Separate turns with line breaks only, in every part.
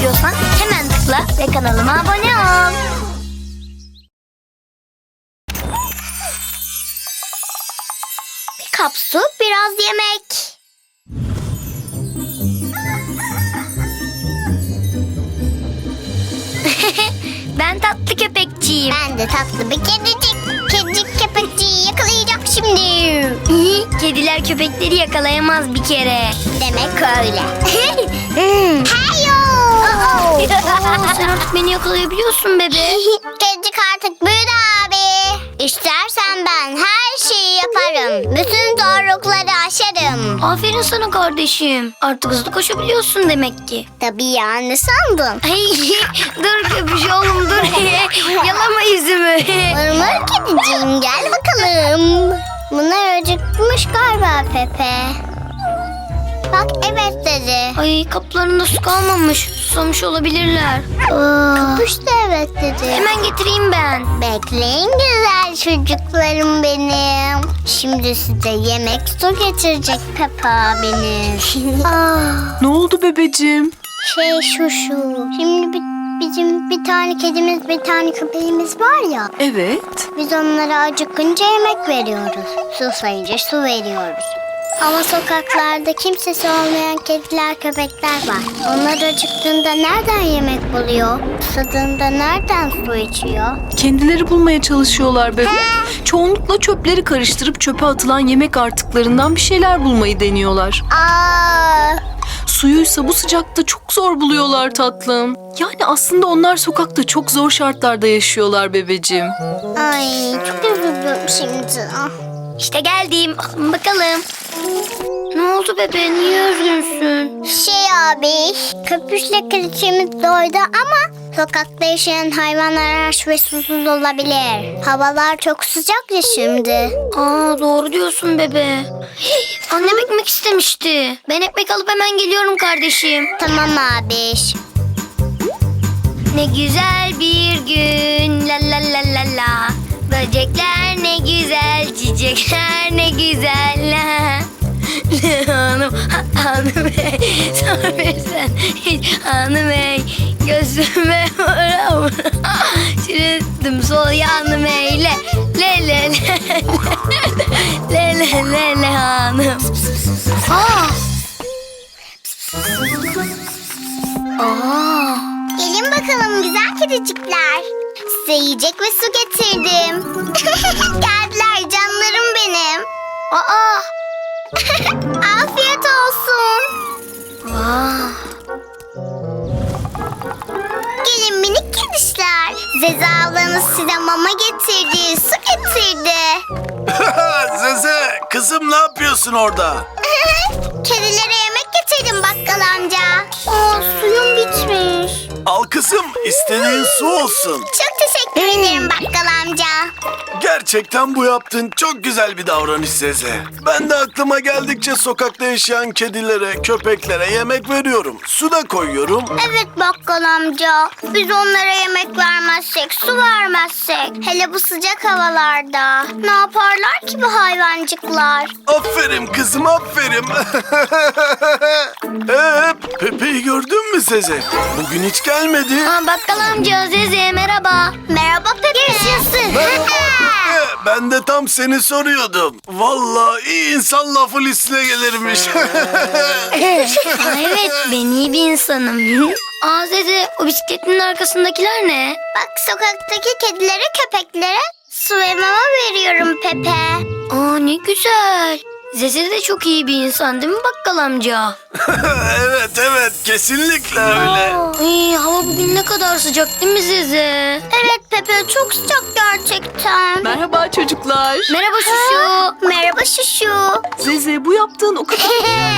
istiyorsan hemen tıkla ve kanalıma abone ol. Bir kap su, biraz yemek. Ben tatlı köpekçiyim.
Ben de tatlı bir kedicik. Kedicik köpekçiyi yakalayacak şimdi.
Kediler köpekleri yakalayamaz bir kere.
Demek öyle. Heyo!
Sen artık beni yakalayabiliyorsun bebe.
Kedicik artık büyüdü abi. İstersen ben her şeyi yaparım. Bütün zorlukları aşarım.
Aferin sana kardeşim. Artık hızlı koşabiliyorsun demek ki.
Tabii ya, ne sandın?
Ay, dur köpüş oğlum dur. Yalama yüzümü.
Mırmır kediciğim, gel bakalım. Bunlar acıkmış galiba Pepe. Bak evet dedi.
Ay kaplarında su kalmamış. Susamış olabilirler.
Kapış da evet dedi.
Hemen getireyim ben.
Bekleyin güzel çocuklarım benim. Şimdi size yemek su getirecek Pepe abiniz.
Ne oldu bebeciğim?
Şu. Şimdi bizim bir tane kedimiz, bir tane köpeğimiz var ya.
Evet.
Biz onlara acıkınca yemek veriyoruz. Susayınca su veriyoruz. Ama sokaklarda kimsesi olmayan kediler, köpekler var. Onlar acıktığında nereden yemek buluyor? Susadığında nereden su içiyor?
Kendileri bulmaya çalışıyorlar bebe. Çoğunlukla çöpleri karıştırıp çöpe atılan yemek artıklarından bir şeyler bulmayı deniyorlar.
Aa,
Suyuysa bu sıcakta çok zor buluyorlar tatlım. Yani aslında onlar sokakta çok zor şartlarda yaşıyorlar bebeciğim.
ay çok üzüldüm şimdi.
İşte geldim. Alın bakalım. Ne oldu bebe? Niye üzgünsün?
Abi, köpüşle kraliçemiz doydu ama sokakta yaşayan hayvanlar aç ve susuz olabilir. Havalar çok sıcak ya şimdi.
Aa doğru diyorsun bebe. Annem ekmek istemişti. Ben ekmek alıp hemen geliyorum kardeşim.
Tamam abi.
Ne güzel bir gün la la la la la. Böcekler ne güzel, çiçekler ne güzel la. Hanım bey, sor versen hiç hanım bey. Gözüme vura vura. Çürüttüm sol yanım eyle. Le le le le le le le hanım. Aa.
Gelin bakalım güzel kedicikler. Size yiyecek ve su getirdim. Geldiler canlarım benim.
Aa.
Afiyet olsun.
Vah.
Gelin minik kedişler. Zeze ablanız size mama getirdi, su getirdi.
Zeze, kızım ne yapıyorsun orada?
Kedilere yemek getirdim bakkal amca. Suyum bitmiş.
Al kızım, istediğin su olsun.
Çok teşekkür ederim bakkal amca.
Gerçekten bu yaptığın çok güzel bir davranış Zeze. Ben de aklıma geldikçe sokakta yaşayan kedilere, köpeklere yemek veriyorum. Su da koyuyorum.
Evet bakkal amca. Biz onlara yemek vermezsek, su vermezsek. Hele bu sıcak havalarda. Ne yaparlar ki bu hayvancıklar?
Aferin kızım, aferin. Pepe'yi gördün mü Zeze? Bugün hiç gelmedi.
Aa, bakkal amca Zeze merhaba.
Merhaba Pepe. Yaşasın.
Ben de tam seni soruyordum. Vallahi iyi insan lafı listine gelirmiş.
Aa, evet ben iyi bir insanım. Aa Zeze o bisikletin arkasındakiler ne?
Bak sokaktaki kedilere, köpeklere su ve mama veriyorum Pepe.
Aa ne güzel. Zeze de çok iyi bir insan değil mi bakkal amca?
Evet, kesinlikle öyle.
Ay, hava bugün ne kadar sıcak değil mi Zeze?
Evet Pepe çok sıcak gerçekten.
Merhaba çocuklar.
Merhaba Şuşu.
Merhaba Şuşu.
Zeze bu yaptığın o kadar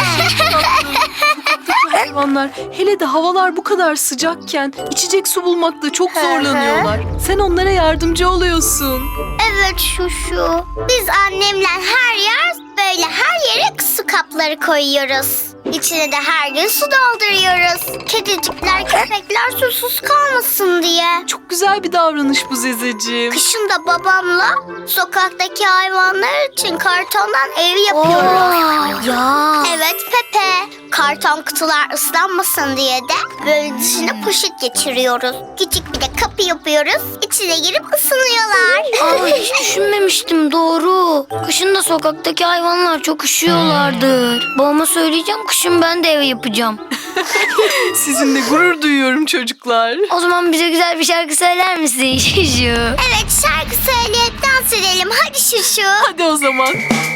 hayvanlar. Hele de havalar bu kadar sıcakken içecek su bulmakta çok zorlanıyorlar. Sen onlara yardımcı oluyorsun.
Evet Şuşu. Biz annemle her yer böyle her yere su kapları koyuyoruz. İçine de her gün su dolduruyoruz. Kedicikler, köpekler susuz kalmasın diye.
Çok güzel bir davranış bu Zezeciğim.
Kışın da babamla sokaktaki hayvanlar için kartondan ev yapıyoruz.
Ya.
Evet Pepe. Karton kutular ıslanmasın diye de böyle dışına poşet geçiriyoruz. Küçük bir de kapı yapıyoruz. İçine girip ısınıyorlar.
Aa, hiç düşünmemiştim, doğru. Kışın da sokaktaki hayvanlar çok üşüyorlardır. Babama söyleyeceğim, kışın ben de ev yapacağım.
Sizinle gurur duyuyorum çocuklar.
O zaman bize güzel bir şarkı söyler misin Şuşu?
Evet, şarkı söyleyip dans edelim. Hadi Şuşu.
Hadi o zaman.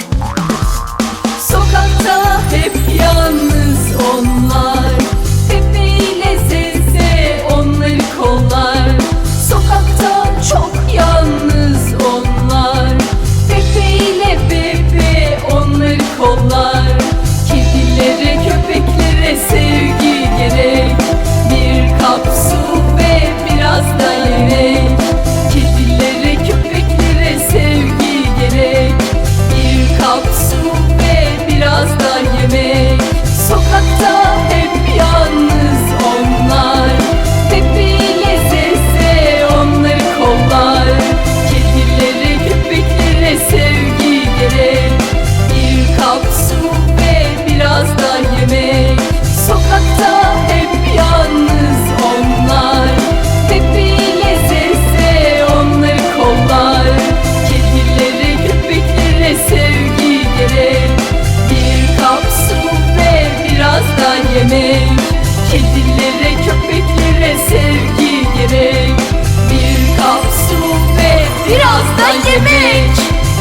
Sokakta hep yalnız onlar, Pepe ile Zeze onları kollar. Sokakta çok yalnız onlar, Pepe ile Bebe onları kollar. Kedilere, köpeklere sevgi gerek, bir kap su ve biraz da yemek. Kedilere, köpeklere sevgi gerek, bir kap su ve biraz da yemek. Sokakta hep yalnız onlar, Pepe ile Zeze onları kollar. Kedilere, köpeklere sevgi gerek, bir kap su ve biraz da yemek. Sokakta hep yalnız onlar, Pepe ile Zeze onları kollar. Kedilere, köpeklere sevgi gerek, bir kap su ve biraz da yemek. Kedilere, köpeklere sevgi gerek, bir kap su ve biraz da yemek.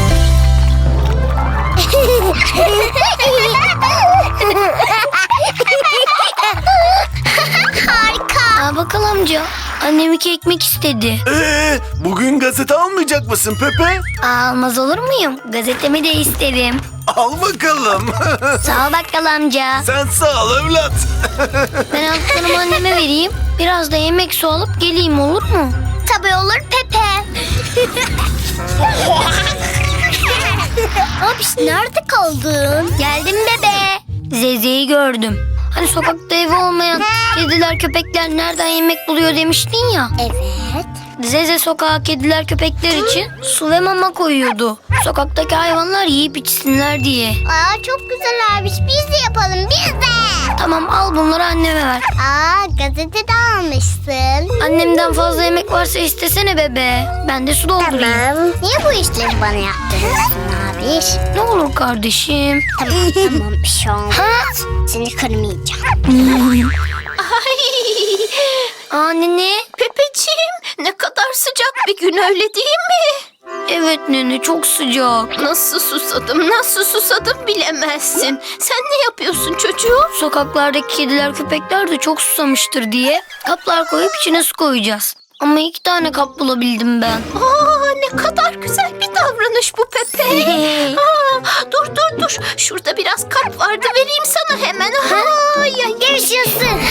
Harika.
Aa, bakalım amca. Annem 2 ekmek istedi.
Bugün gazete almayacak mısın Pepe?
Almaz olur muyum? Gazetemi de isterim.
Al bakalım.
Sağ ol bakkal amca.
Sen sağ ol evlat.
Ben aldıklarımı anneme vereyim. Biraz da yemek su alıp geleyim, olur mu?
Tabii olur Pepe. Abiş, nerede kaldın?
Geldim bebe. Zeze'yi gördüm. Hani sokakta evi olmayan kediler köpekler nereden yemek buluyor demiştin ya.
Evet.
Zeze sokağa kediler köpekler için su ve mama koyuyordu. Sokaktaki hayvanlar yiyip içsinler diye.
Aa, çok güzel abiş. Biz de yapalım, biz de.
Tamam, al bunları anneme ver.
Aa, gazete de almışsın.
Annemden fazla yemek varsa istesene bebe. Ben de su doldurayım.
Tamam. Niye bu işleri bana yaptırıyorsun abiş?
Ne olur kardeşim.
Tamam tamam, bir şey olmaz.
Ha?
Seni kırmayacağım.
Aa nene.
Pepeciğim, ne kadar sıcak bir gün, öyle değil mi?
Evet nene, çok sıcak.
Nasıl susadım bilemezsin. Sen ne yapıyorsun çocuğum?
Sokaklardaki kediler köpekler de çok susamıştır diye kaplar koyup içine su koyacağız. Ama 2 tane kap bulabildim ben.
Aa, ne kadar güzel bir davranış bu Pepe. Aa, dur. Şurada biraz kap vardı, vereyim sana hemen. Aa,
Görüşürsün.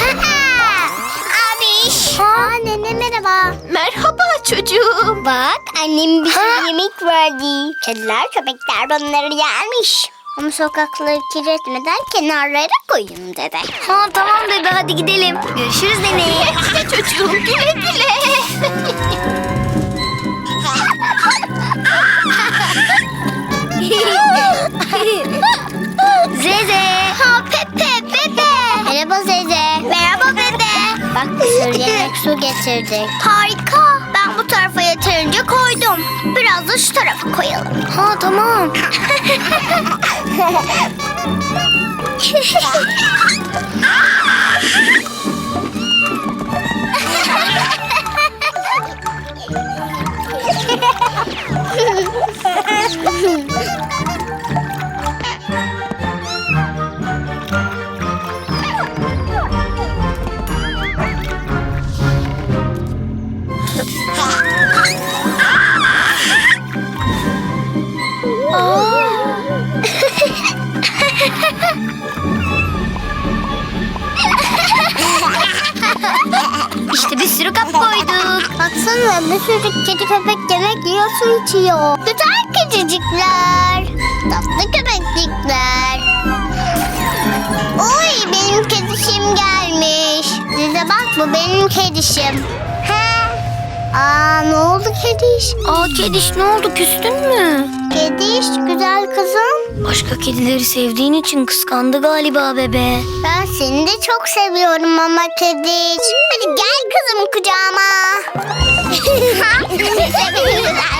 Abiş. Aa, nene merhaba.
merhaba çocuğum.
Bak, annem bize yemek verdi. Kediler, köpekler bunları yermiş. Ama sokakları kirletmeden kenarlara koyun dedi.
Ha tamam bebe, hadi gidelim. Görüşürüz nene.
Güle çocuğum, güle güle.
Zeze.
Ha, Pepe. Merhaba Zeze. Merhaba Bebe. Bak, bir sürü yemek su getirdik. Harika. Ben bu tarafa yeterince koydum. Biraz da şu tarafa koyalım.
Ha tamam. İşte bir sürü kap koyduk.
Baksana, bir sürü kedi köpek yemek yiyor, su içiyor. Güzel kedicikler. Tatlı köpeklikler. Oy, benim kedişim gelmiş. Size bak, bu benim kedişim. He. Aa, ne oldu kediş?
Aa kediş, ne oldu, küstün mü?
Kediş, güzel kızım.
Başka kedileri sevdiğin için kıskandı galiba bebe.
Ben seni de çok seviyorum Mama Kediş. Hadi gel kızım kucağıma. Güzel